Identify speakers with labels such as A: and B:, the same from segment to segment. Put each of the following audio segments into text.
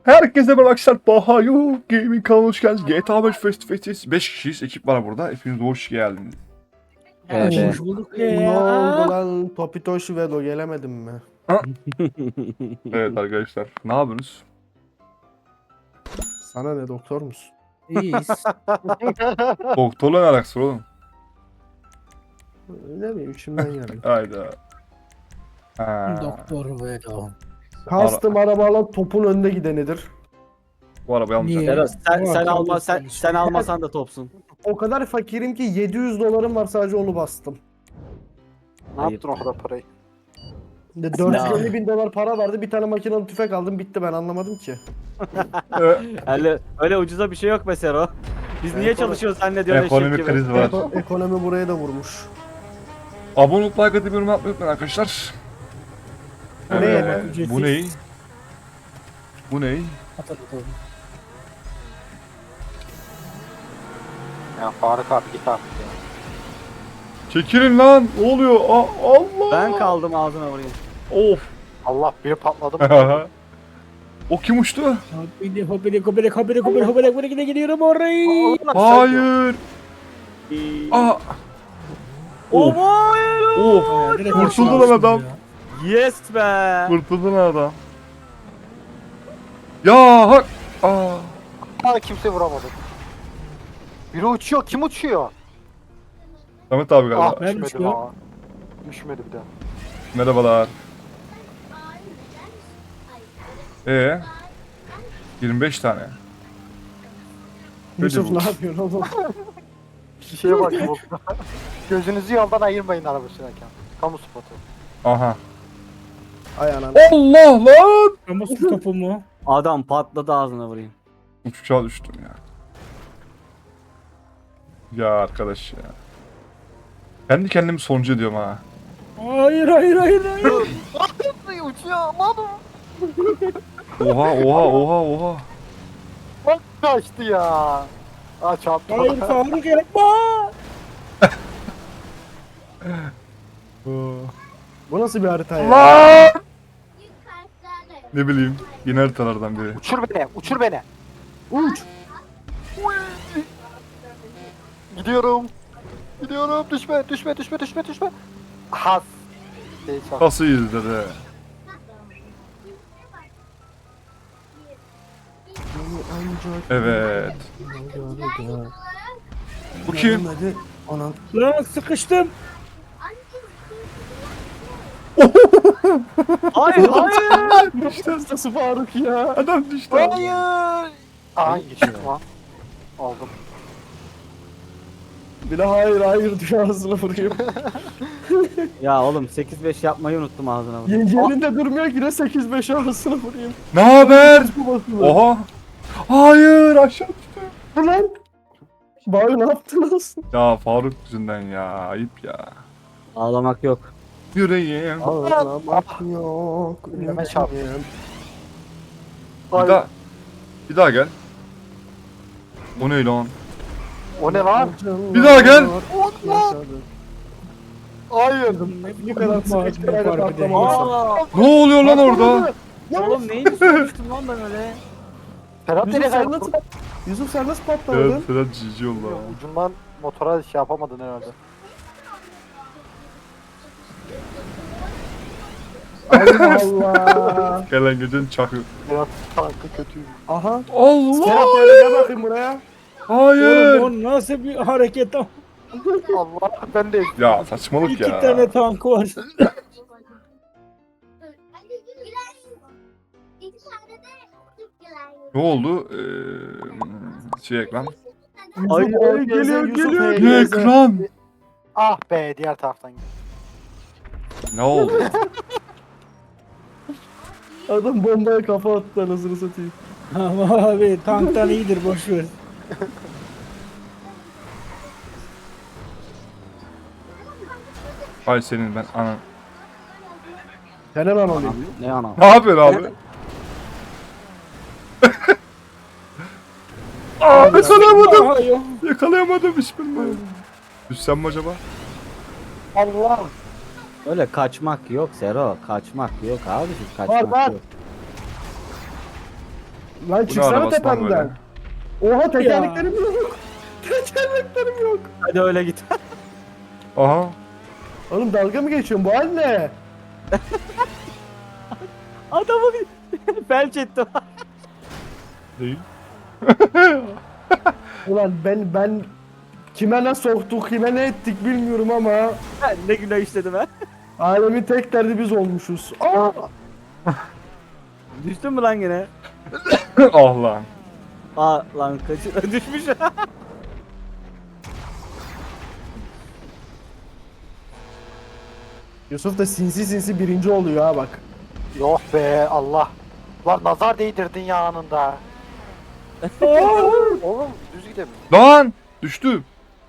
A: Herkese merhaba arkadaşlar. Bahayu Gaming kanalına hoş geldiniz. GTA 5 Face to Face'teyiz. 5 kişiyiz. Ekip var burada. Hepiniz hoş geldiniz.
B: Evet.
C: Hoş bulduk
B: Ne oldu lan? Topitoş Velo gelemedim mi?
A: Evet arkadaşlar. Ne yapıyorsunuz?
B: Sana ne doktor musun?
C: İyiyiz.
A: Doktorla ne alakası var oğlum?
B: Ne bileyim içimden geldi.
A: Hayda. Ha.
C: Doktor Vedo.
B: Kastım arabayla topun önde gidenidir.
A: Bu arabayı almayacağım.
C: Niye?
D: Serhat sen,
C: Ulan
D: sen
C: kabul
D: alma sen,
C: etmemiş.
D: sen almasan da topsun.
B: O kadar fakirim ki 700 dolarım var, sadece onu bastım.
E: Ne yaptın o kadar parayı?
B: De 450 bin dolar para vardı, bir tane makinalı tüfek aldım, bitti, ben anlamadım ki.
D: Öyle ucuza bir şey yok be Sero. Biz niye çalışıyoruz zannediyorsun eşek
A: Ekonomik
D: gibi.
A: kriz var.
B: Ekonomi buraya da vurmuş.
A: Abone olup like atıp yorum yapmayı unutmayın arkadaşlar.
B: Ne
A: Evet,
C: ücretsiz?
A: bu ney? Bu ney?
C: Atalım.
E: Ya Faruk abi git artık ya.
A: Çekilin lan. Ne oluyor? Allah.
D: Ben kaldım ağzına vurayım.
A: Of.
E: Allah biri patladı mı?
A: O kim uçtu?
C: Hobile gidiyorum orayı.
A: Hayır. Aa. Of. Of. Kurtuldu lan adam.
D: Yes be.
A: Kurtuldu lan adam. Ya hak. Aa.
E: Aa, kimse vuramadı. Biri uçuyor. Kim uçuyor?
A: Samet abi galiba.
E: Ah
C: Ben
E: düşmedi
C: uçuyorum.
E: ha. Düşmedi bir de.
A: Merhabalar. 25 tane.
B: Yusuf
A: bu.
B: ne yapıyorsun oğlum?
E: Bir şeye bak bu. Gözünüzü yoldan ayırmayın araba sürerken. Kamu spotu.
A: Aha.
B: Ay anam.
A: Allah lan.
C: Ama su topu mu?
D: Adam patladı ağzına vurayım.
A: Uçağa düştüm ya. Ya arkadaş ya. Kendi kendimi sonuncu ediyorum ha.
C: Hayır.
E: Uçuyor lan.
A: Oha.
E: Bak kaçtı ya. Aa çarptı.
C: Hayır Faruk yapma.
B: Bu nasıl bir harita ya?
A: Lan! Ne bileyim. Yine haritalardan biri.
E: Uçur beni. Uçur beni.
B: Uç.
E: Gidiyorum. Gidiyorum. Düşme. Has. Şey çarptı.
A: Nasıl izledi? Evet. Bu kim?
B: Hadi. Anam.
C: Lan sıkıştım.
D: Hayır.
B: Nasıl Faruk ya?
A: Adam düştü.
E: Hayır. Aa geçtim lan. Aldım.
B: Bir de hayır diyor, ağzına vurayım.
D: Ya oğlum 8-5 yapmayı unuttum ağzına vurayım.
B: Yerinde durmuyor ki, ne 8-5 ağzına vurayım.
A: Ne haber?
B: Bu basılı.
A: Oha. Hayır aşağı düştü.
B: Lan. Bari ne yaptınız?
A: Ya Faruk yüzünden ya. Ayıp ya.
D: Ağlamak yok.
A: Yüreğim.
B: Ağlamak yok.
E: Önüme çarptı.
A: Bir daha gel. O ne lan?
E: O ne lan?
A: Bir daha gel.
E: Hayır.
B: Bu kadar sıkıştırmayla
C: Fark edeyim.
B: patlamalısın.
D: Aa,
A: Ne oluyor lan orada?
D: oğlum neyini sormuştum lan ben öyle.
E: Ferhat
B: Yusuf
E: nereye
B: sen
E: kayboldu?
B: nasıl, Yusuf sen nasıl patlamadın?
A: Sedat cici oldu ha.
E: Ucundan motora şey yapamadın herhalde.
B: Allah Allah.
A: Gelen gecenin çakı.
E: Ferhat tankı kötüymüş.
B: Aha.
A: Allah.
B: Serap gel bakayım buraya.
A: Hayır.
C: Oğlum o nasıl bir hareket?
E: Allah ben de
A: Ya saçmalık
C: İki
A: ya.
C: tane tank var.
A: Ne oldu? Şey ekran.
D: Ay,
B: Yusuf,
D: geliyor,
B: Yusuf,
D: geliyor.
B: Yusuf,
A: Ne
B: Yusuf.
A: ekran?
E: ah be diğer taraftan gel.
A: Ne oldu?
B: Adam bombaya kafa attı, anasını satayım.
C: Ama abi tanktan iyidir boş ver.
A: Ay senin ben ana.
B: Sen hemen alayım.
D: Ne ana?
A: Ne yapıyorsun abi? Aa yakalayamadım.
C: Aha, yok.
A: Yakalayamadım hiçbirini. Düşsem mi acaba?
E: Allah.
D: Öyle kaçmak yok Sero. Kaçmak yok abi. Kaçmak
B: Var.
D: yok.
B: Lan çıksana
A: arabası lan
B: tepemden. Oha tekerleklerim yok. Tekerleklerim yok.
D: Hadi öyle git.
A: Aha.
B: Oğlum dalga mı geçiyorsun? Bu hal ne?
D: Adamı bir felç ettim.
A: Değil.
B: Ulan ben kime ne soktuk, kime ne ettik bilmiyorum ama
D: Ne günah işledim ha.
B: alemin tek derdi biz olmuşuz. Aa!
D: Düştün mü lan yine?
A: Ah lan.
D: Aa lan kaçır. Düşmüş.
B: Yusuf da sinsi sinsi birinci oluyor ha bak.
E: Yok be Allah. Lan nazar değdirdin ya anında. Oğlum düz gidelim.
A: Lan! Düştü.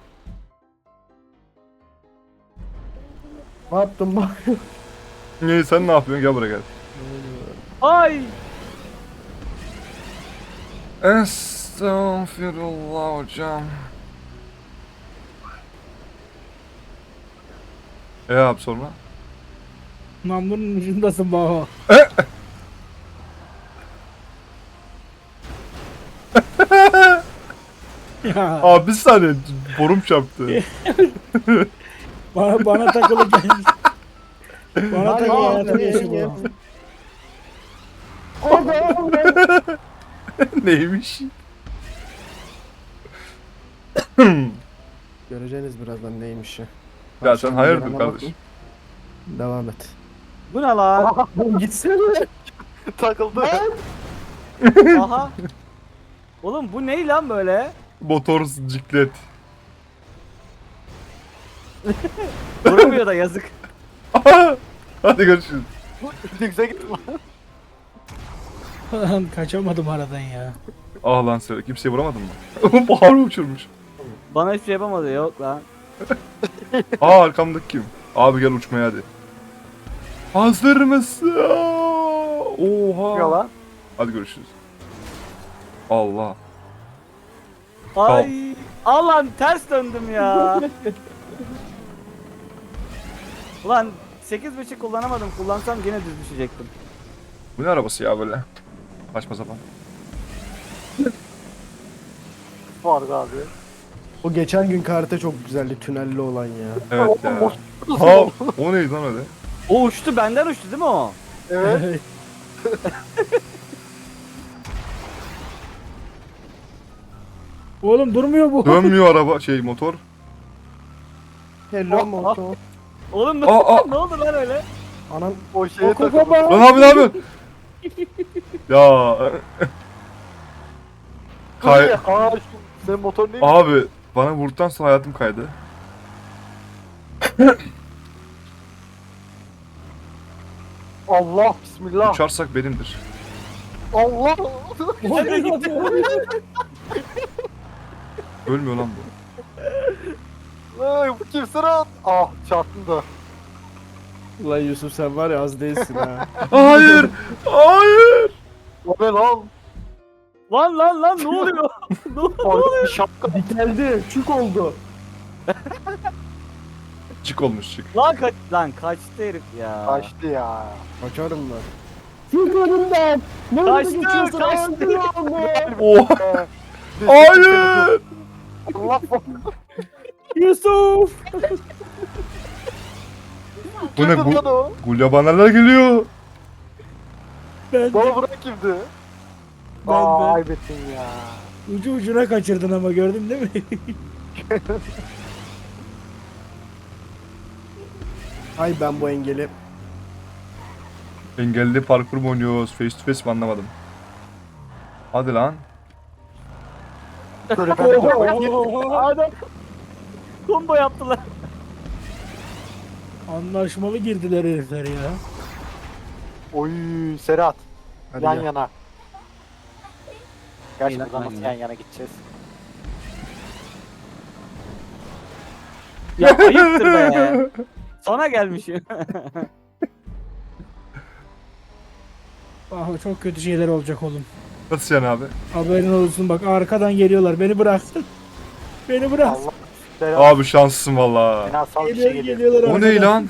B: Ne yaptın bak?
A: Ne sen ne yapıyorsun? Gel buraya gel.
D: Ay.
A: Estağfirullah hocam. Abi sonra?
C: Namlunun ucundasın baba. Ya
A: Abi bir saniye. Borum çarptı.
C: bana takılı gel. Bana
B: Hadi
C: takılı
B: abi,
C: hatırlıyorsun
B: ye, ye.
C: baba.
B: Abi.
A: Neymiş?
B: Göreceğiniz birazdan neymiş ya.
A: Ya sen hayırdır kardeş?
B: Devam et.
D: Bu ne lan?
B: Oğlum gitsene.
E: Takıldı.
D: Aha. Oğlum bu ne lan böyle?
A: Motor ciklet.
D: Durmuyor da yazık.
A: Hadi görüşürüz.
E: Güzel gitti lan.
C: Lan kaçamadım aradan ya.
A: Ah lan söyle. Kimseye vuramadın mı? Bahar uçurmuş.
D: Bana hiçbir şey yapamadı yok lan.
A: Aa arkamdaki kim? Abi gel uçmaya hadi. Hazır mısın? Oha.
E: Ya lan.
A: Hadi görüşürüz. Allah.
D: Ay. Allah'ım ters döndüm ya. Ulan 8.5 kullanamadım. Kullansam yine düz düşecektim.
A: Bu ne arabası ya böyle? Saçma sapan.
E: Vardı abi.
B: O geçen gün karate çok güzeldi tünelli olan ya.
A: Evet ya.
E: Oğlum,
A: Ha, o neydi lan öyle?
D: O uçtu benden uçtu değil mi o?
E: Evet.
C: Oğlum durmuyor bu.
A: Dönmüyor araba motor.
B: Hello moto.
D: Oğlum ne,
A: Aa.
D: ne oldu lan öyle?
B: Anam
E: O şeye
C: Oku
E: takıldı.
C: baba.
A: Lan abi ne yapıyorsun? Ya. Kay
E: Aa şu senin motor neymiş?
A: abi bana vurduktan sonra hayatım kaydı.
E: Allah bismillah.
A: Uçarsak benimdir.
E: Allah.
A: Ölmüyor lan bu.
E: Ay, bu kimsin lan? Ah çarptın da.
B: Ulan Yusuf sen var ya az değilsin ha.
A: Hayır. Hayır.
E: O ne lan?
D: Lan ne oluyor? Ne oluyor?
E: Ay, bir şapka.
B: Geldi. Çük oldu.
A: Çık olmuş çık.
D: Lan kaçtı herif ya.
E: Kaçtı ya.
B: Kaçarım ben. Çık önümden. Nerede
D: Kaçtı,
B: geçiyorsun?
D: kaçtı.
B: Öldürüyorum mu?
A: Oha. Hayır.
E: Allah
C: Yusuf.
A: Bu ne
E: Kimdi lan
A: bu?
E: o?
A: Gulyabaneler geliyor.
C: Ben
E: Bana bırak kimdi?
C: Ben-
E: Aa aybettin ya.
C: ucu ucuna kaçırdın ama gördün değil mi?
B: Ay ben bu engeli.
A: Engelli parkur mu oynuyoruz? Face to face mi anlamadım. Hadi lan.
E: Böyle ben de
D: Adam combo yaptılar.
C: Anlaşmalı girdiler herifler ya.
E: Oy Serhat.
B: Hadi
E: Yan
B: ya.
E: yana. Gerçi
D: İyi lan,
E: buradan
D: yan
E: nasıl
D: yana.
E: yan yana gideceğiz?
D: Ya ayıptır be. Sona gelmişim.
C: Ah, çok kötü şeyler olacak oğlum.
A: Nasıl yani abi?
C: Haberin olsun bak arkadan geliyorlar. Beni bıraksın. Beni bırak.
E: Allah. Serhat.
A: Abi şanslısın valla.
E: Fenasal bir şey
C: Geliyor,
E: geliyor.
C: geliyorlar
A: O
C: arkadan.
A: ne lan?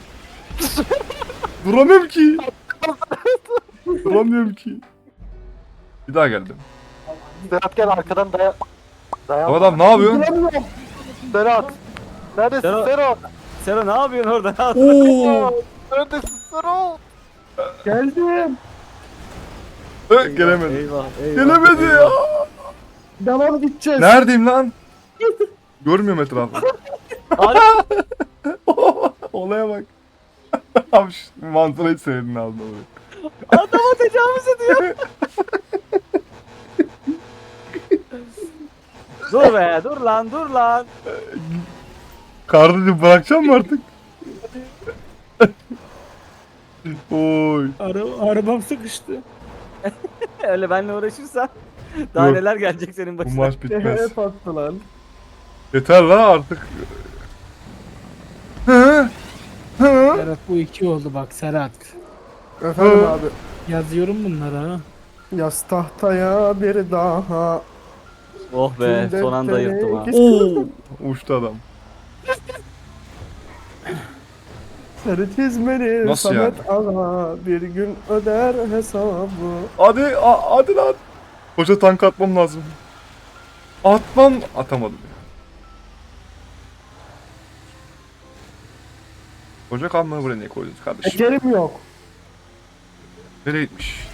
A: Duramıyorum ki. Duramıyorum ki. Bir daha geldim.
E: Serhat gel arkadan dayan.
A: Bu adam ne yapıyor?
B: Duramıyorum.
E: Serhat. Neredesin
D: Serhat.
E: Serhat?
D: Sera ne yapıyorsun orada?
A: Oo.
E: Neredesin Serhat?
B: Geldim.
A: Gelemedi.
D: Eyvah, eyvah.
A: Gelemedi ya.
B: Devam gideceğiz.
A: Neredeyim lan? Görmüyorum etrafı.
D: Abi,
A: Olaya bak. Abi şu mantıra hiç sevdin ağzına böyle.
D: adama tecavüz ediyor. Dur be, dur lan, dur lan.
A: Kardeşim bırakacağım mı artık? Oy.
C: Arabam sıkıştı.
D: Öyle benimle uğraşırsan daha
A: Yok.
D: neler gelecek senin
A: Bu
D: başına.
A: maç bitmez.
B: Hep attı lan.
A: Yeter la artık. Hı? Hı?
C: Serhat bu 2 oldu bak Serhat.
B: Efendim abi.
C: Yazıyorum bunları ha.
B: Yaz tahtaya bir daha.
D: Oh be,
B: Tüm
D: son anda
B: defteri
D: yırttım ha.
B: geç-
A: Oo. Uçtu adam.
B: Sarı çizmeli
A: Nasıl
B: Samet Ağa bir gün öder hesabı.
A: Hadi hadi lan. Koca tank atmam lazım. Atmam. Atamadım ya. Koca kamyonu buraya niye koydunuz kardeşim?
B: Tekerim yok.
A: Nereye gitmiş?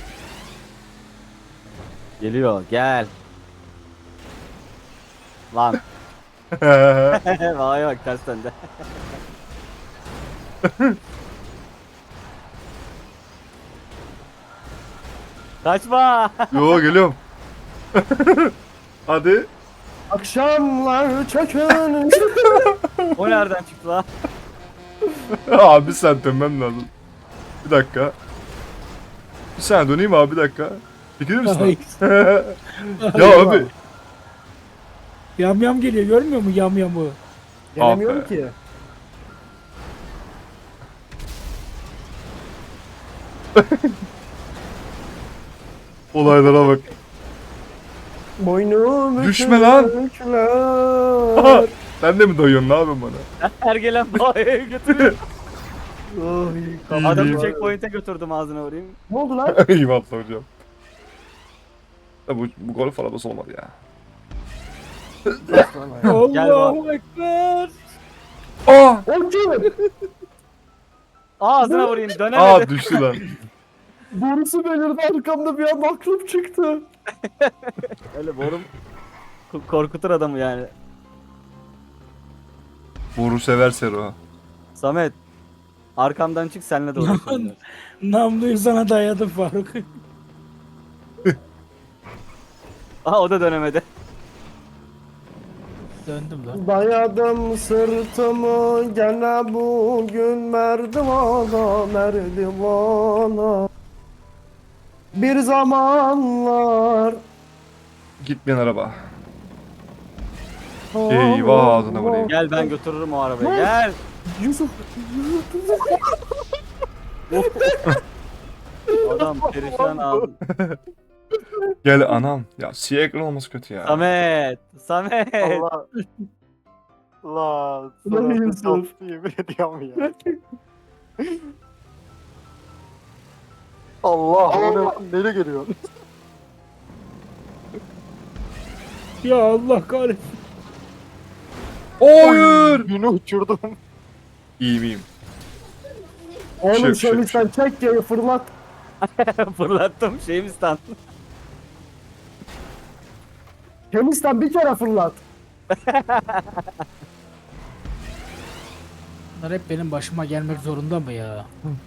D: Geliyor, gel. Lan. Vay bak tersten de. Kaçma.
A: Yo geliyorum. Hadi.
B: Akşamlar çökün.
D: O nereden çıktı lan?
A: Abi sen dönmem lazım. Bir dakika. Bir saniye döneyim abi bir dakika. Çekilir misin?
C: Ay,
A: Ya abi.
C: Yam yam geliyor görmüyor mu yam yamı?
B: Gelemiyorum
A: Abi.
B: ki.
A: Olaylara bak.
B: Boynum
A: Düşme lan.
B: büküler.
A: Sen de mi dayıyorsun ne yapıyorsun bana?
D: Her gelen bağaya götürüyor.
B: Ay,
D: Adamı checkpoint'e götürdüm ağzına vurayım.
B: ne oldu lan?
A: Eyvallah hocam. Ya bu golf arabası olmadı ya.
D: Gel
C: Allahu Ekber.
A: Aa!
B: O kim?
D: Ağzına vurayım dönemedi.
A: Aa düştü lan.
B: Borusu belirdi arkamda bir an aklım çıktı.
D: Öyle borum korkutur adamı yani.
A: Boru sever Sero.
D: Samet. Arkamdan çık senle de uğraşalım.
C: Namluyu sana dayadım Faruk.
D: Aha o da dönemedi.
C: Döndüm lan.
B: Dayadım sırtımı gene bugün merdivana merdivana. Bir zamanlar
A: Gitmeyen araba. Eyvah, ağzına vurayım.
D: Gel ben götürürüm o arabayı. Gel.
B: Yusuf.
D: Adam perişan aldı.
A: Gel anam. Ya siyah ekran olması kötü ya.
D: Samet. Samet.
E: Allah. Allah.
B: Lan
E: Serhat'ın
B: Yusuf.
E: şansı yemin ediyorum ya. Allah. O ne, nereye geliyor?
C: Ya Allah kahretsin.
A: Hayır.
E: Yine uçurdum.
A: İyiyim iyiyim.
B: Oğlum
A: Şey yok,
B: şöyle
A: şey
B: sen çek ya fırlat.
D: Fırlattım şeyimi stand.
B: Temizden bir kere fırlat.
C: Bunlar hep benim başıma gelmek zorunda mı ya?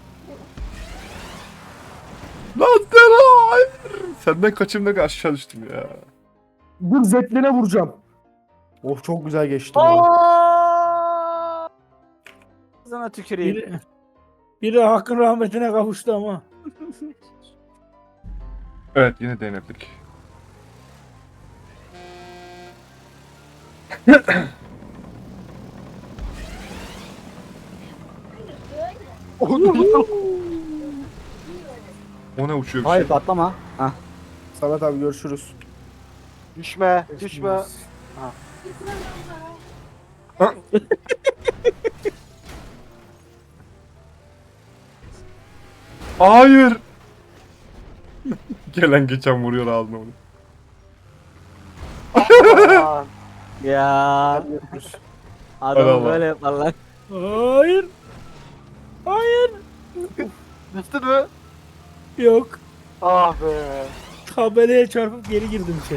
A: Lan Sero hayır. Senden kaçayım da aşağı düştüm ya.
B: Dur zetline vuracağım. Oh çok güzel geçti. bu.
D: Aaaa! Sana tüküreyim.
C: Biri hakkın rahmetine kavuştu ama.
A: Evet yine denetlik. O ne uçuyor bir
D: Hayır
A: şey.
D: patlama. Hah.
B: Samet abi görüşürüz.
E: Düşme. Düşme.
A: Hayır. Gelen geçen vuruyor ağzına onu.
E: Aa,
D: Ya
B: Yapmış.
A: Hay Allah.
D: adamı böyle yaparlar.
C: Hayır. Hayır.
E: düştün mü?
C: Yok.
E: Ah be.
C: Tabelaya çarpıp geri girdim içeri.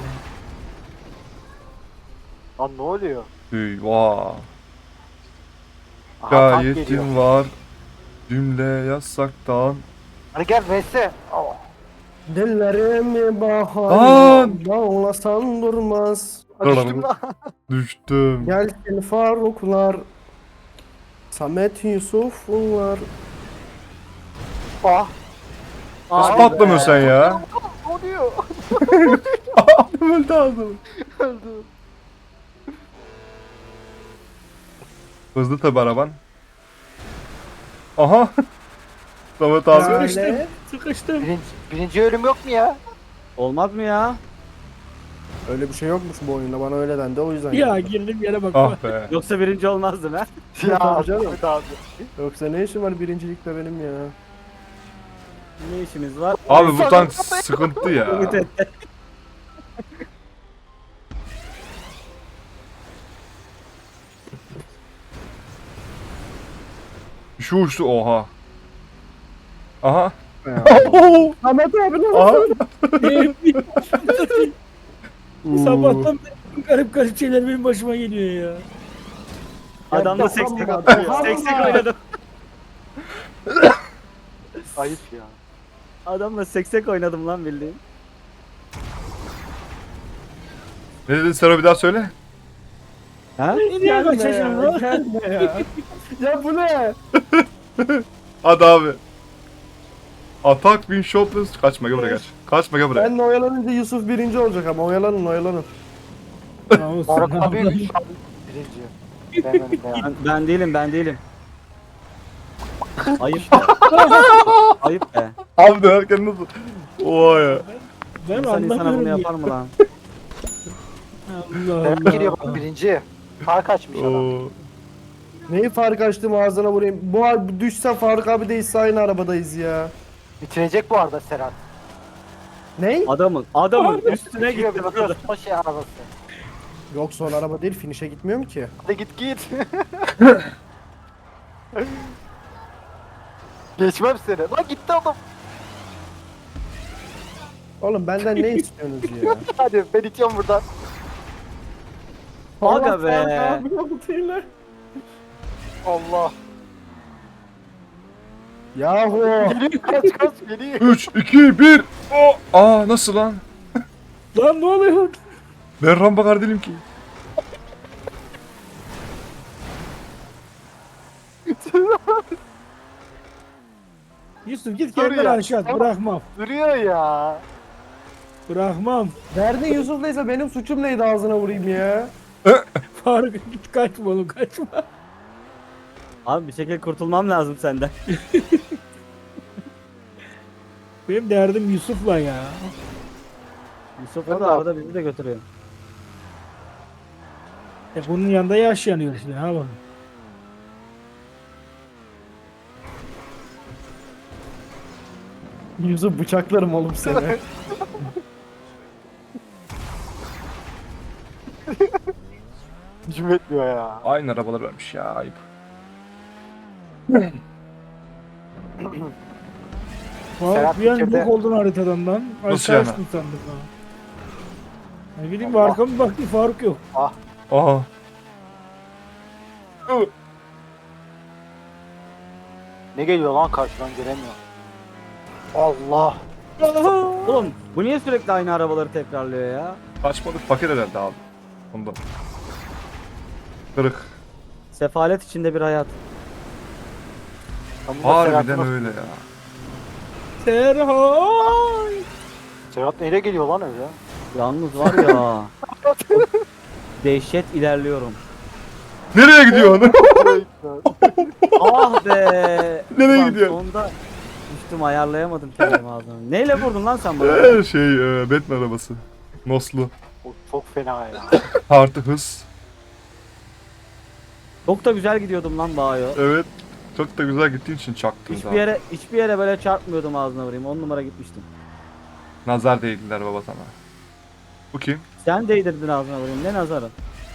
E: Lan ne oluyor?
A: Eyvah.
E: Aha, tank geliyor.
A: Gayetim var. Cümle yasaktan.
E: Hadi gel Vese. Oh.
B: Dillerimi bahar
A: Lan!
B: bağlasan durmaz.
E: Düştüm lan.
A: Düştüm.
B: Gelsin Faruklar, Samet Yusuflar.
E: Ah.
A: Nasıl
D: Abi
A: patlamıyorsun sen ya?
E: Ne oluyor?
A: Adam öldü ağzım.
E: Öldü.
A: Hızlı tabi araban. Aha. Samet abi.
B: Ya.
C: Sıkıştım. Sıkıştım.
E: Birinci ölüm yok mu ya?
D: olmaz mı ya?
B: Öyle bir şey yokmuş bu oyunda, bana öyle dendi, o yüzden.
C: Ya
B: geldim.
C: girdim yere bak.
A: Ah be.
D: Yoksa birinci olmazdın ha?
E: Ya
B: Tabii canım.
E: Ahmet abi.
B: Yoksa ne işim var birincilikte benim ya?
D: Ne işimiz var?
A: Abi bu tank sıkıntı ya.
D: Ümit et.
A: Şu uçtu oha. Aha.
B: Ahmet abi ne
A: Aha.
C: Sabahtan beri garip garip şeyler benim başıma geliyor ya.
D: Adamda
B: Ya,
D: seksek
B: tamam,
D: atıyor.
B: tamam.
D: Seksek oynadım.
E: Ayıp ya.
D: Adamla seksek oynadım lan bildiğin.
A: Ne dedin Sero bir daha söyle.
D: Ha?
C: Niye
B: Gelme
C: kaçacağım
B: ya,
C: lan?
B: gelme ya. Ya bu ne?
A: Hadi abi. Atak win shopless. Kaçma gel buraya kaç. Kaçma gel buraya.
B: Benle oyalanınca Yusuf birinci olacak ama oyalanın oyalanın.
E: Faruk abi birinci. Ben önüm ya.
D: Ben değilim ben değilim. Ayıp. Ayıp be.
A: Abi dönerken nasıl? Oha ya.
C: Ben
D: İnsan insana bunu
C: anlamıyorum ya.
D: yapar mı lan?
C: Allah
E: Ben giriyor bak
C: Allah.
E: birinci. Fark açmış adam.
A: Oo.
B: Neyi fark açtım ağzına vurayım. Bu düşse Faruk abi değilse aynı arabadayız ya.
E: Bitirecek bu arada Serhat.
B: Ney?
D: Adamın üstüne
E: Bitiriyor
D: gitti.
E: bir bakıyorsun o şey arabası.
B: Yok son araba değil, finish'e gitmiyorum ki.
E: Hadi git git. Geçmem seni. Lan gitti adam.
B: Oğlum benden ne istiyorsunuz ya?
E: Hadi ben itiyorum buradan.
D: Aga
B: Allah
D: be.
B: Faruk abi yaptığıyla.
E: Allah.
B: Yahu.
E: Geliyor kaç kaç geliyor.
A: 3, 2, 1. O. Aa nasıl lan?
C: Lan ne oluyor?
A: Ben rambakar değilim ki.
C: Yusuf git
E: Dur
C: kendini
E: ya.
C: aşağı at. Bırakmam.
E: Duruyor ya.
C: Bırakmam.
B: Derdin Yusuf'laysa benim suçum neydi ağzına vurayım ya?
C: Faruk git kaçma oğlum kaçma.
D: Abi bir şekilde kurtulmam lazım senden.
C: Benim derdim Yusuf'la ya.
D: Yusuf
E: Ben
D: o da
E: de
D: arada bizi de götürüyor.
C: Bunun yanında yaş yanıyor işte. Ha bak.
B: Yusuf bıçaklarım oğlum seni.
E: Hücum etmiyor ya.
A: Aynı arabalar vermiş ya ayıp.
C: Faruk
E: Serhat
C: bir an
E: bitirdi.
C: yok oldun haritadan lan.
A: Nasıl
C: Aşağı
A: yani?
C: açtın sandık ha. Ne bileyim bir arkama bir baktım Faruk yok.
A: Aha.
E: Ne geliyor lan karşıdan göremiyorum. Allah.
D: Oğlum bu niye sürekli aynı arabaları tekrarlıyor ya?
A: Kaçmadık paket herhalde abi. Ondan. Kırık.
D: Sefalet içinde bir hayat.
E: Ben bunda
A: Harbiden
E: Serhat'ın-
A: öyle ya.
C: Serhat.
E: Serhat neyle geliyor lan öyle?
D: Yalnız var ya. Dehşet ilerliyorum.
A: Nereye gidiyorsun?
D: Ah be.
A: Nereye
D: Ulan
A: gidiyorsun?
D: Sonunda düştüm ayarlayamadım kendimi ağzına. Neyle vurdun lan sen bana?
A: Batman arabası. Noslu.
E: O çok fena ya.
A: Artı hız.
D: Çok da güzel gidiyordum lan Bayo.
A: Evet. Çok da güzel gittiğin için çaktım
D: Hiçbir yere böyle çarpmıyordum ağzına vurayım. 10 numara gitmiştim.
A: Nazar değdiler baba sana. Bu kim?
D: Sen değdirdin ağzına vurayım. Ne nazarı?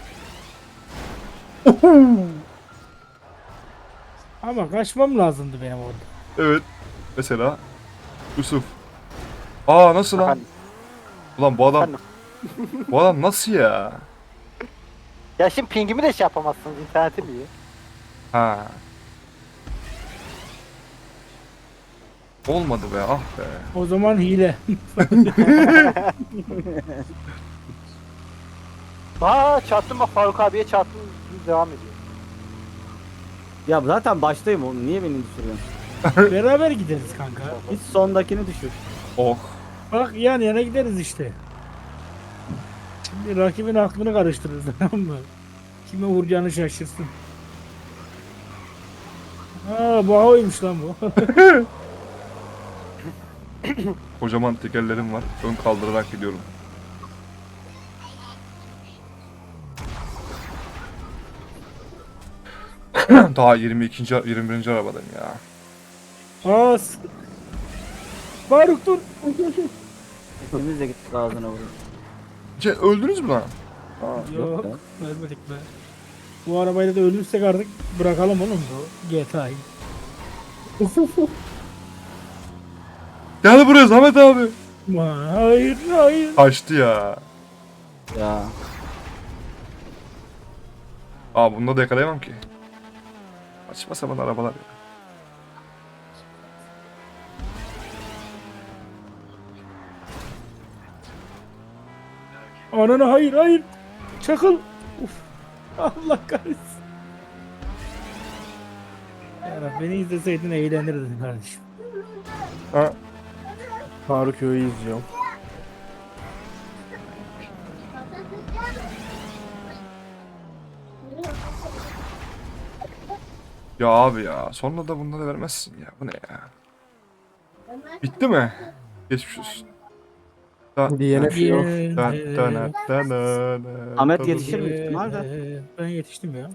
C: Ama kaçmam lazımdı benim orada.
A: Evet. Mesela Yusuf. Aa nasıl lan?
E: Efendim?
A: Ulan bu adam.
E: Efendim?
A: Bu adam nasıl ya?
E: Ya şimdi pingimi de şey yapamazsınız. İnternetim iyi.
A: Ha. Olmadı be ah be.
C: O zaman hile.
E: Aa çarptım bak Faruk abiye çarptım. Devam ediyor.
D: Ya zaten baştayım oğlum. Niye beni düşürüyorsun?
C: Beraber gideriz kanka.
D: Hiç sondakini düşür.
A: Oh.
C: Bak yan yana gideriz işte. Şimdi rakibin aklını karıştırırız tamam mı? Kime vuracağını şaşırsın. Aa bu oymuş lan bu.
A: Kocaman tekerlerim var. Ön kaldırarak gidiyorum. Daha 22. 21. arabadayım ya.
C: Aa Faruk dur.
D: İkimiz de gittik ağzına vurayım.
A: Öldünüz mü lan?
C: Yok
D: be.
C: ölmedik be. Bu arabayla da ölürsek artık bırakalım oğlum bu GTA'yı.
A: Gel buraya Zahmet abi.
C: Hayır hayır.
A: Kaçtı ya.
D: Ya.
A: Aa bunda da yakalayamam ki. Saçma sapan arabalar ya.
C: Ananı hayır hayır. Çakıl. Uf. Allah kahretsin. Ya beni izleseydin eğlenirdin kardeşim.
A: Ha.
B: Faruk Yo'yu izliyorum.
A: Ya abi ya. Sonra da bunları vermezsin ya. Bu ne ya? Bitti mi? Geçmiş olsun.
B: DNF yok.
D: Ahmet yetişir büyük ihtimalle.
C: Ben yetiştim ya.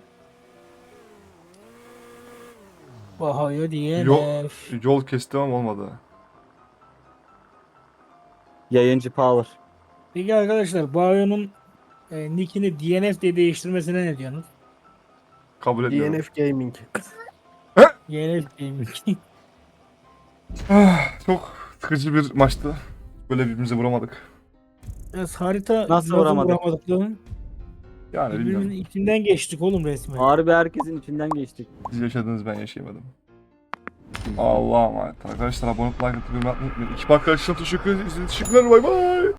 C: Bahayo diye
A: Yol kestim ama olmadı.
D: Yayıncı power.
C: Peki arkadaşlar Bahayo'nun nickini DNF diye değiştirmesine ne diyorsunuz?
A: Kabul etmiyorum.
B: DNF Gaming.
C: DNF Gaming.
A: Çok sıkıcı bir maçtı. Böyle birbirimize vuramadık.
C: Biraz harita
D: Nasıl vuramadık?
C: vuramadık lan?
A: Yani
C: Birbirimizin
A: bilmiyorum.
C: içinden geçtik oğlum resmen.
D: Harbi herkesin içinden geçtik.
A: Siz yaşadınız ben yaşayamadım. Allah'a emanet. Arkadaşlar abone olup like atıp yorum atmayı unutmayın. Ekip arkadaşlarım teşekkür ederiz. Teşekkürler bay bay.